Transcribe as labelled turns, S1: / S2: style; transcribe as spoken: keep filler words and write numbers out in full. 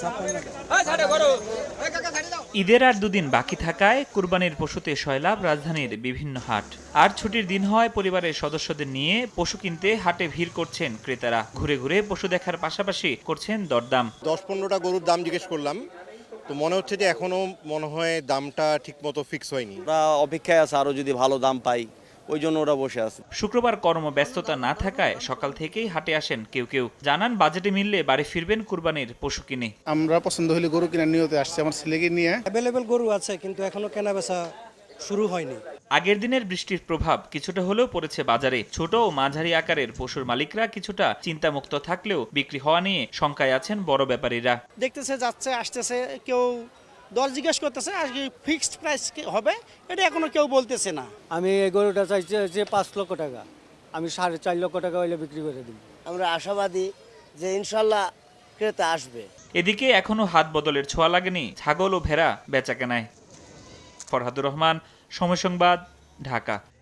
S1: ঈদের আর দুদিন বাকি থাকায় কুরবানির পশুতে সয়লাব রাজধানীর বিভিন্ন হাট। আর ছুটির দিন হয় পরিবারের সদস্যদের নিয়ে পশু কিনতে হাটে ভিড় করছেন ক্রেতারা। ঘুরে ঘুরে পশু দেখার পাশাপাশি করছেন দরদাম।
S2: দশ পনেরোটা গরুর দাম জিজ্ঞেস করলাম, তো মনে হচ্ছে যে এখনো মনে হয় দামটা ঠিক মতো ফিক্স হয়নি।
S3: ওরা অপেক্ষায় আছে আরো যদি ভালো দাম পাই, ওই জন্য ওরা বসে আছে।
S1: শুক্রবার কর্মব্যস্ততা না থাকায় সকাল থেকেই হাটে আসেন কেউ কেউ। জানান বাজেটে মিললে বাড়ি ফিরবেন কুরবানির পশু কিনে।
S4: আমরা পছন্দ হলে গরু কেনার নিয়তে আসছি আমার ছেলেকে নিয়ে।
S5: অ্যাভেলেবেল গরু আছে কিন্তু এখনো কেনা বেচা শুরু হয়নি।
S1: আগের দিনের বৃষ্টির প্রভাব কিছুটা হলেও পড়েছে বাজারে। ছোট ও মাঝারি আকারের পশুর মালিকরা কিছুটা চিন্তামুক্ত থাকলেও বিক্রি হওয়া নিয়ে শঙ্কায় আছেন বড় ব্যাপারীরা।
S6: দেখতেছে যাচ্ছে আসতেছে, কেউ দর জিজ্ঞেস করতেছে, আজকে ফিক্সড প্রাইস হবে এটা এখনো কেউ বলতেছে না।
S5: আমি এই গরুটা চাইছি যে পাঁচ লক্ষ টাকা, আমি সাড়ে চার লক্ষ টাকা হইলে বিক্রি করে দিব।
S7: আমরা আশাবাদী যে ইনশাল্লাহ ক্রেতা আসবে।
S1: এদিকে এখনো হাত বদলের ছোঁয়া লাগেনি ছাগল ও ভেড়া বেচাকেনায়। ফরহাদুর রহমান, সময় সংবাদ, ঢাকা।